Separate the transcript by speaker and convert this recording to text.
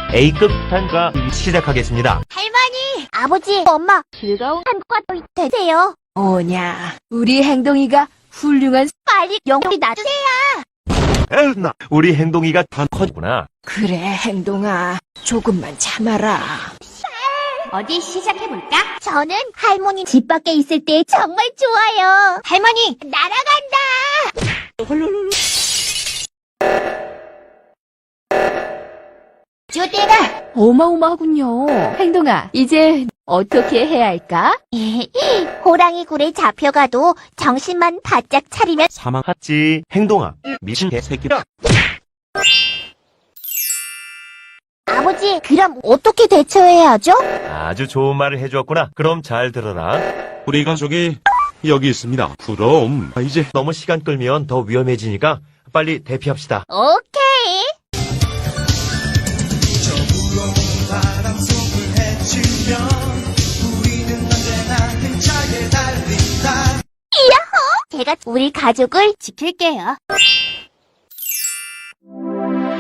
Speaker 1: A급 단가 시작하겠습니다.
Speaker 2: 할머니, 아버지, 엄마, 즐거운 한국과 되세요.
Speaker 3: 뭐냐, 우리 행동이가 훌륭한.
Speaker 2: 빨리 영리 놔주세요.
Speaker 1: 에휴, 우리 행동이가 다 커지구나.
Speaker 3: 그래, 행동아, 조금만 참아라.
Speaker 2: 어디 시작해볼까? 저는 할머니 집 밖에 있을 때 정말 좋아요. 할머니, 날아간다! 주대가!
Speaker 3: 어마어마하군요. 행동아, 이제 어떻게 해야 할까?
Speaker 2: 호랑이 굴에 잡혀가도 정신만 바짝 차리면
Speaker 1: 사망하지. 행동아, 미친 개새끼야.
Speaker 2: 아버지, 그럼 어떻게 대처해야 하죠?
Speaker 1: 아주 좋은 말을 해주었구나. 그럼 잘 들어라.
Speaker 4: 우리 가족이 여기 있습니다. 그럼 이제
Speaker 1: 너무 시간 끌면 더 위험해지니까 빨리 대피합시다.
Speaker 2: 오케이. 이야호! 제가 우리 가족을 지킬게요.